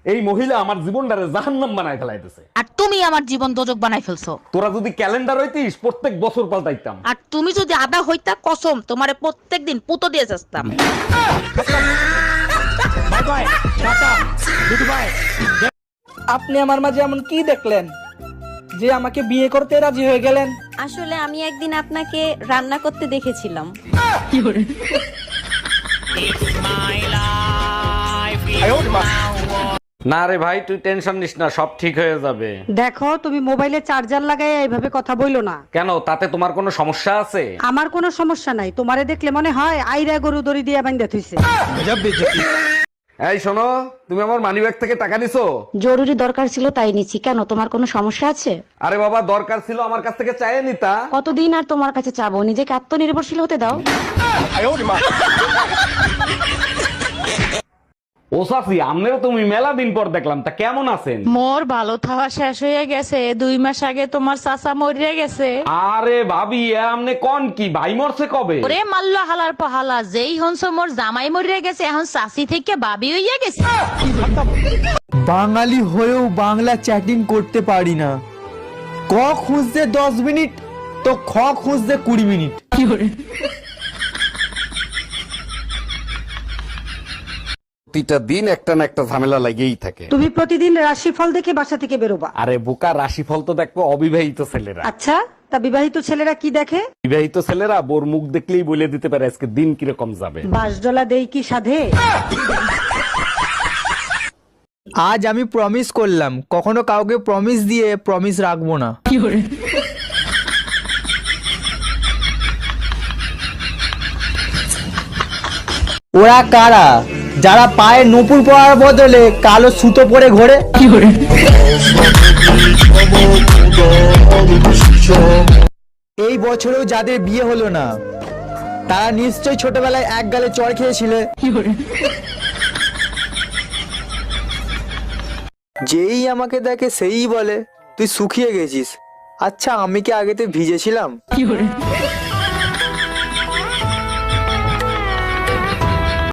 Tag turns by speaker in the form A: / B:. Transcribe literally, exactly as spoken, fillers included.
A: এই মহিলা আমার জীবনটারে জাহান্নাম বানায় ফেলাইতেছে।
B: আর তুমি আমার জীবন দোজক বানাই ফেলছো।
A: তোরা যদি ক্যালেন্ডার হইতিস প্রত্যেক বছর পাল্টাইতাম।
B: আর তুমি যদি আদা হইতা কসম তোমারে প্রত্যেকদিন পুতো দিয়ে যাস্তাম।
C: Bye bye tata goodbye.
D: আপনি আমার মাঝে এমন কি দেখলেন যে আমাকে বিয়ে করতে রাজি হয়ে গেলেন?
E: আসলে আমি একদিন আপনাকে রান্না করতে দেখেছিলাম।
A: না রে ভাই তুই টেনশন নিস না, সব ঠিক হয়ে যাবে।
F: দেখো তুমি মোবাইলে চার্জার লাগাই এইভাবে কথা বইলো না।
A: কেন, তাতে তোমার কোনো সমস্যা আছে?
F: আমার কোনো সমস্যা নাই, তোমারে দেখলে মনে হয় আইরা গরু দড়ি দিয়ে বাঁধা থইছে।
A: এই শোনো, তুমি আমার মানিব্যাগ থেকে টাকা নিছো?
G: জরুরি দরকার ছিল তাই নিচ্ছি। কেন, তোমার কোনো সমস্যা আছে?
A: আরে বাবা, দরকার ছিল আমার কাছ থেকে চাইয়ে নিতা।
G: কতদিন আর তোমার কাছে চাবো? নিজেকে আত্মনির্ভরশীল হতে দাও।
A: ও সাফি, আমনেরও তুমি মেলা দিন পর দেখলাম, তা কেমন আছেন?
B: মোর ভালো থাওয়া শেষ হয়ে গেছে, দুই মাস আগে তোমার চাচা মরিয়া গেছে।
A: আরে ভাবি, এ আমনে কোন কি, ভাই মরছে কবে?
B: ওরে মাল্ল হালার পহালা, যেই হনস মোর জামাই মরিয়া গেছে, এখন চাচি থেকে বাবি হইয়া গেছে।
C: বাঙালি হয়েও বাংলা চ্যাটিং করতে পারি না। ক খুঁজতে দশ মিনিট তো খ খুঁজতে কুড়ি মিনিট।
A: প্রতিটা দিন একটা না একটা ঝামেলা লাগেই থাকে।
F: তুমি প্রতিদিন রাশিফল দেখে বাসা থেকে বেরোবা।
A: আরে বোকা, রাশিফল তো দেখবো অবিবাহিত ছেলেরা।
F: আচ্ছা, তা বিবাহিত ছেলেরা কি দেখে?
A: বিবাহিত ছেলেরা বোর মুখ দেখলেই বলে দিতে পারে আজকে দিন কিরকম যাবে।
F: বাঁশডলা দেই কি সাধে?
C: আজ আমি প্রমিস করলাম কখনো কাউকে প্রমিস দিয়ে প্রমিস রাখবো না। ওরা কারা যারা পায়ে নূপুর পরার বদলে কালো সুতো পরে ঘোরে? এই বছরেও যাদের বিয়ে হলো না তারা নিশ্চয়ই ছোটবেলায় এক গালে চড় খেয়েছিলে। যেই আমাকে দেখে সেই বলে তুই শুকিয়ে গেছিস। আচ্ছা, আমি কি আগেতে ভিজেছিলাম?